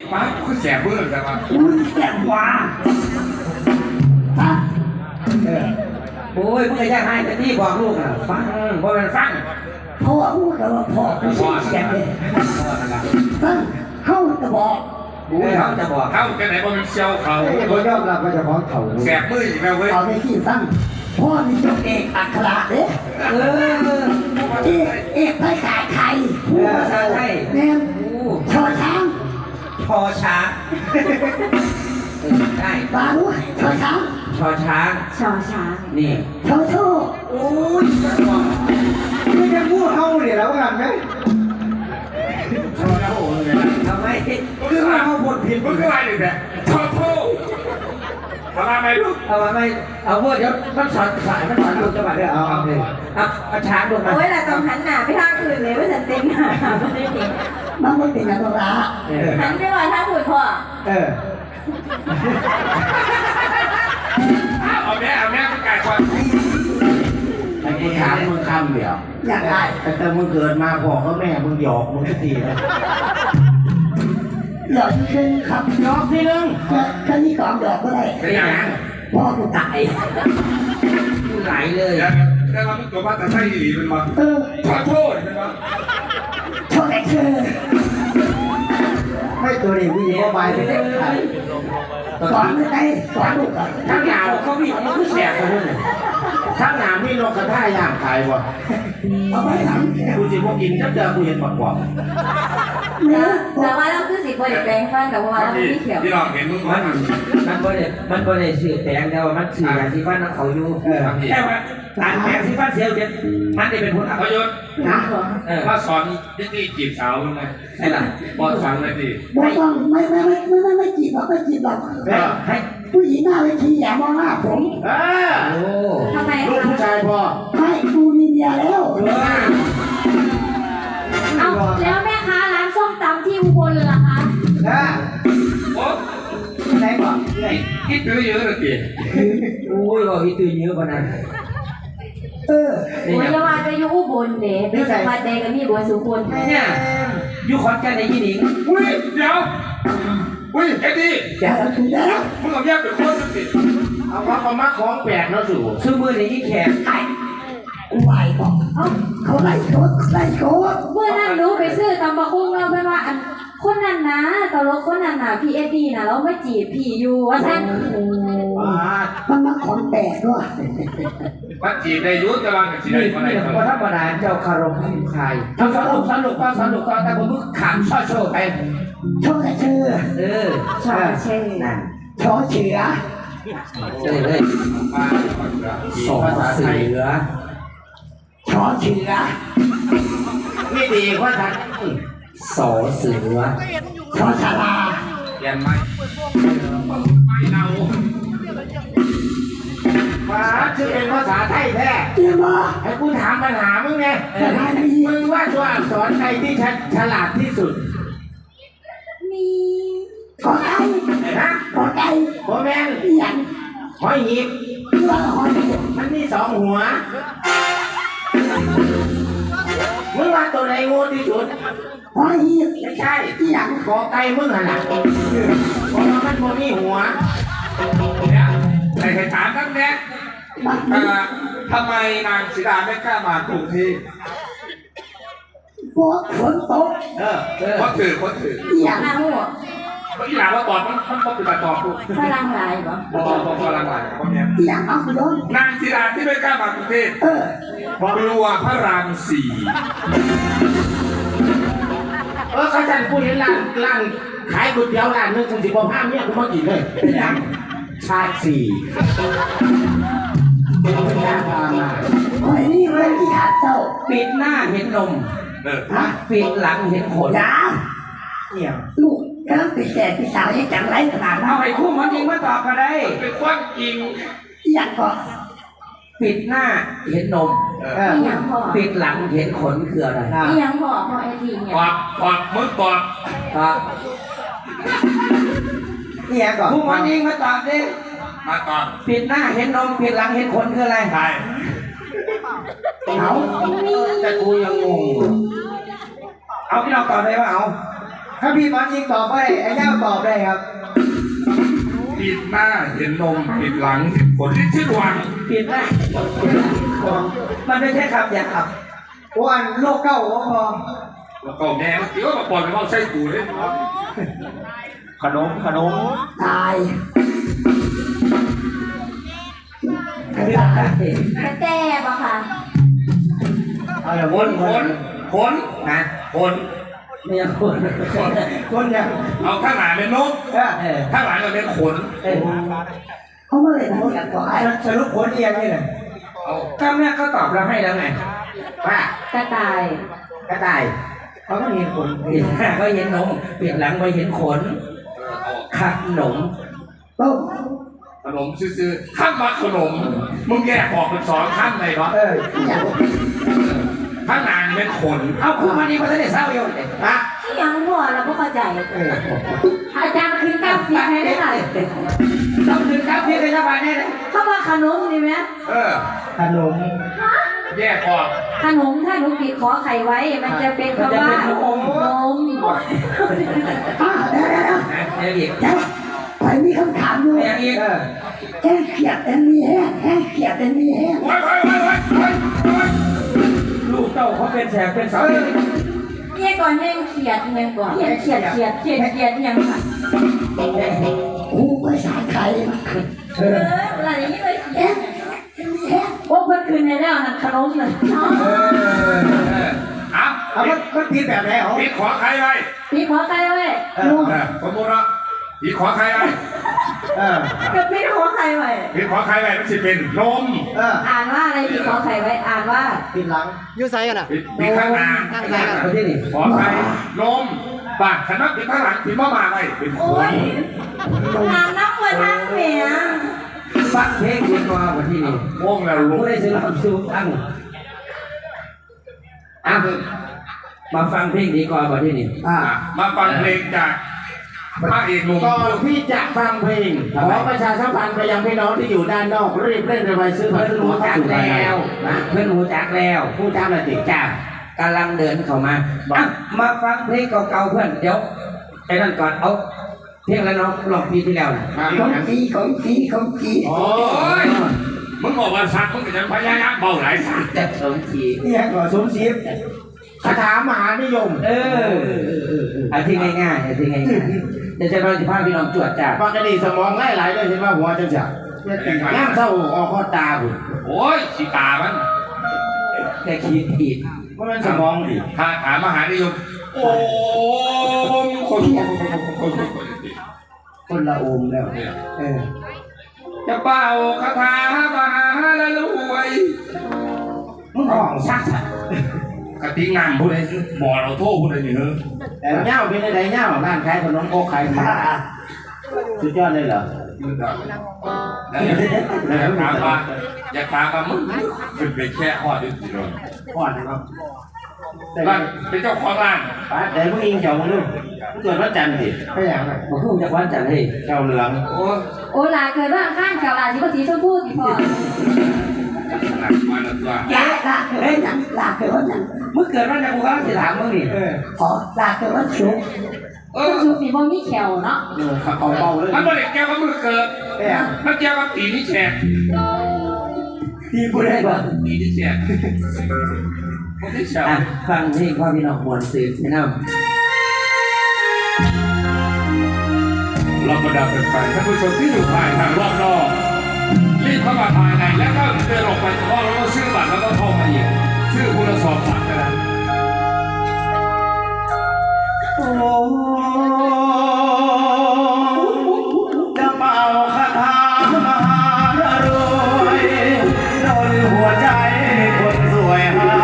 ป้าก็แสบเบื่อแต่ว่าแสบกว่าโอ้ยมึงจะให้แต่ที่บอกลูกอ่ะฟังบ่เป็นฟังพ่อพูดกับว่าพ่อไม่ใช่แสบเลยฟังเขาจะบอกเขาจะบอกเข้ากันไหนบ่เป็นเชียวเขาเขายอมรับว่าจะพ้องเถ่าแสบมืออีกแล้วเว้ยเอาในที่ฟังพ่อนี่ยกเอกอัคระเด้เอกภาษาไทยภาษาไทยแม่ชอช้างชอช้างได้บาด้วยชอช้างชอช้างชอช้างนี่ชอโชโอ้ยไม่ใช่พูดเท่าเนี่ยแล้วกันไหมทำไมคือเขาบทผิดมึงก็อะไรอยู่เนี่ยชอบโทษทำไมลูกเอามาไม่เอาเพื่อเดี๋ยวมันสอนลูกจังหวะเดี๋ยวเอาเลยเอาช้างลงมาโอ้ยเราต้องหันหน้าไปทางอื่นเลยว่าฉันเต็มหน้าไม่ได้เห็นมันไม่เป็นอะไรละหันไปว่าถ้าพูดพ่อเอาแม่ประกาศความไอ้กูถามมึงคำเดียวอยากได้แต่มึงเกิดมาพ่อกับแม่มึงหยอกมึงทุกทีเลยหยอกขึ้นครับหยอกทีนึงแค่นี้ก่อนหยอกก็ได้เป็นยังไงพ่อกูตายไหลเลยแต่เราไม่ตัวว่าแต่ใช่หรือเป็นวะขอโทษเป็นวะโทษไอ้เธอไม่ตัวนี้วิ่งเข้าไปที่เด็กไทยก่อนไม่ได้ก่อนลูกก่อนข้างหน้าเขาวิ่งมันคือแสบกันเลยข้างหน้ามีนกกระทาย่างขายบ่เอาไปทำกูสิพวกกินจับเจอกูเห็นปากกว่าแต่ว่าเราคือสิบวันแปลงฟันแต่ว่าเราไม่เขียวที่เราเห็นมึงมันบ่ได้สื่อแปลงแต่ว่ามันสื่ออย่างที่ฟันเขาอยู่แค่ว่าหลานแปลงที่ฟันเสียวเจ็ดมันได้เป็นผลอัปยศนะว่าสอนที่จีบสาวไงใช่หรอบอกสั่งเลยดิไม่ต้องไม่จีบหรอกไม่จีบหรอกให้ผู้หญิงหน้าเวทีอย่ามองหน้าผมทำไมลูกผู้ชายพอไม่กูมีเมียแล้วเอาแล้วแม่ค้าร้านส้มตำที่อุบลล่ะคะโอ้ไหนก่อนคิดเยอะเลยดิโอ้ยบอกคิดเยอะกว่านั้นโอ้ยว่าจะอยู่อุบลเด็กเป็นสมัยเด็กกับมีบัวสุพรรณเนี่ยอยู่ขอนแก่นในยี่หนิงอุ้ยเดี๋ยวอุ้ยไอ้ดิจะถึงแล้วมึงเอาแยกเป็นคนสิเอาเขามาของแปลกแล้วสู่ซื้อมือในยี่แขกกูไหวบอกเขาไล่โคตรเมื่อนั้นรู้ไปซื้อตำบักหุ่งเราเพื่อนว่าอันคนนั้นนะตลกคนนั้นนะพี่เอ็ดดี้นะเราไม่จีบพี่อยู่ว่าท่านมันมาของแปลกด้วยมาจีบในยุทธกำลังจีบนี่เพราะธรรมดาเจ้าคารมให้ใครทำสนุกก็แต่ผมมึงขำโชว์ไปโชว์ชื่อชอเชื่อชอเชือเลยสอเสือชอเชือไม่ดีเพราะฉันสอเสือชอชาลาเปลี่ยนไหมไม่เราชื่อเป็นภาษาไทยแท้ให้กูถามปัญหามึงไงมึงว่าตัวอักษรไทยที่ฉลาดที่สุดมีขอไก่นะขอไก่ขอแมงอย่างหอยหีบมันมีสองหัวมึงว่าตัวไหนโง่ที่สุดหอยหีบไม่ใช่อย่างขอไก่มึงหันหลังเพราะมันบ่มีหัวเนี่ยใครถามนั่นแน่ทำไมนางสีดาไม่กล้ามากรุงเทพเพราะฝนตกเพราะถืออย่างนั้นหัวที่หลังว่าตอนมันเป็นตอบลูกพลังไหลบ่พลังไหลพวกเนี้ยอย่างนั้นคุณโดนนางสีดาที่ไม่กล้ามากรุงเทพกลัวพระรามสี่เขาจะพูดเห็นร้านขายก๋วยเตี๋ยวร้านนึงคุณสิบห้าเนี่ยคุณมากินเลยเป็นยังชาติสี่เป็นยาพามาโอ้ยนี่เรื่องที่ขาดเจ้าปิดหน้าเห็นนมปิดหลังเห็นขนเนี่ยลูกกำลังติดแก่ติดสาวยังจังไรขนาดนั้นเอาไอ้คู่มันจริงมาตอบก็ได้เป็นความจริงอย่างก็ปิดหน้าเห็นนมปิดหลังเห็นขนคืออะไรยังพอไอ้ทีเนี่ยปอบมึงปอบเนี่ยก่อนคู่มันจริงมาตอบดิมาตอบปิดหน้าเห็นนมปิดหลังเห็นขนคืออะไรใช่แต่กูยังงงเอาพี่น้องตอบได้ป่ะเอาถ้าพี่หมอจริงตอบได้ไอ้เจ้าตอบได้ครับปิดหน้าเห็นนมปิดหลังเห็นขนลิ้นชื่อหวังผิดนะมันไม่ใช่คำหยาบวันโลกเก้าพอแล้วก็แม่เมื่อกี้ว่ามาปล่อยไปว่าใส่กูเลยขนมตายแต่ปะค่ะเอาละขวนนขนนะขนไม่ยังคนคนเนี่ยเอาข้างหลังเป็นนกเออข้างหลังก็เป็นขนเขาไม่ได้พูดกันก่อนสรุปผลเอียงนี่แหละเอาก็แม่ก็ตอบเราให้แล้วไงว่ากระต่ายกระต่ายเขาก็เห็นขนเปลี่ยนหน้าก็เห็นนมเปลี่ยนหลังไปเห็นขนเอาขนมต้มขนมซื้อๆข้ามมาขนมมึงแยกออกเป็นสองข้ามไหนวะอย่างข้างหลังเป็นขนเอาคุณวันนี้มาได้เศร้าอยู่เลยนะยังหัวเราไม่เข้าใจอาจารย์ขึ้นกราฟิกให้ได้หน่อยต้องถึงครับพี่ก็จะมาแน่เลยเข้ามาขนมดีไหมขนมแยกออกขนมถ้าหนูปิดขอไข่ไว้ มันจะเป็นคำว่านมเดี๋ยวอีกไปมีคำถามด้วยเดี๋ยวอีกแห้งเขียดแต่มีแห้งแห้งเขียดแต่มีแห้งไว้ลูกเต้าเขาเป็นแสบเป็นเสาเนี่ยก่อนแห้งเขียดยังก่อนเขียดยังค่ะกูภาษาไทยมันคืออะไรอย่างนี้เลยแห้งมีแห้งโอ้เพิ่นคืนในแล้วนั่นขนมเลยเอาเอามันผิดแบบไหนเหรอปิดขอใครไว้ปีขอไข่ไว้สมมติว่าปิดขอใครไว้กับปีขอไข่ไว้ปิดขอใครไว้มันจะเป็นนมอ่านว่าอะไรปีขอไข่ไว้อ่านว่าผิดหลังยูไซกันอ่ะปิดข้างหน้าเอาที่นี่ขอใครนมปากฉันว่าปิดข้างหลังปิดมาไว้เป็นขโอ้นยงานน้ำมือทางเหมียฟังเพลงดีกว่าวันที่นี่วงแล้วลุผู้กได้ซื้อความสุขตั้งอ่ะมาฟังเพลงดีกว่าวันที่นี่มาฟังเพลงจากพระเอกหนุ่มก่อนที่จะฟังเพลงขอประชาสัมพันธ์ไปยังพี่น้องที่อยู่ด้านนอกรีบเร่งไปซื้อผัเพื่กอนสวนรู้เข้าจักสู่ภายในแล้วนะเพื่อนรู้จักแล้วผู้จ้างอะไรติดจ้ากำลังเดินเข้ามามาฟังเพลงเก่าๆเพื่อนเดี๋ยวไอ้นั่นก่อนเอาเพลงแล้วน้องลองปีที่แล้วนะของจีโอ้ยมึงบอกว่าสัตว์มึงจะพยายามเบาหลายสัตว์แต่สมทีเนี่ยก่อนสมศรีคาถามหานิยมอันที่ง่ายๆอันที่ง่ายๆเดี๋ยวจะมาสิพาพี่น้องจวดจ้าปกติสมองไหลๆเลยใช่ไหมหัวจังจังย่างเศร้าออกข้อตาบุญโอ้ยสีตามันแค่คิดผิดเพราะมันสมองดิถ้าถามมหานิยมโอ้มคนคนละองค์แล้วจะเป่าคาถามหาละรวยมึงห้องซักกติงามผู้ใดบ่อเราโทษผู้ใดนี่เฮ้อแต่เง่าเป็นอะไรเง่าร้านขายขนมโคกขายหมูสุดยอดเลยเหรอแล้วอยากถามว่ามึงเป็นไปแค่หอดอยู่ที่โดนก่อนนะครับร้านเป็นเจ้าของร้านป้าแต่มึงอิงเจ้ามึงดูมึงเกิดวันจันทร์ดิไม่อย่างไรผมพูดจากวันจันทร์ให้เจ้าเหลืองโอ้โอ้ลาเกิดว่าข้างเก่าลาสีภาษีชมพูสีพอหนักมาแล้วตัวลาเกิดวันลาเกิดวันเมื่อเกิดวันจันทร์กูก็จะถามมึงนี่ขอลาเกิดวันศุกร์คุณชูปีบ่มีแขวเนาะเขาเบาเลยมันไม่ได้เกี่ยวกับมือเกิดมันเกี่ยวกับตีนี่แฉกตีกูได้ป่ะตีนี่แฉกคนที่แฉกอ่ะฟังเพลงพ่อพี่น้องมวลสื่อแนะนเราบรรดาแฟนๆท่านผู้ชมที่อยู่ภายทางรอบนอกรีบเข้ามาภายในแล้วก็เดินออกไปเพราะเราต้องซื้อบัตรแล้วก็เข้ามาอีกชื่อคุณสอบบัตรนะโอ้จะเป่าคาถามหารวยโดนหัวใจคนสวยหา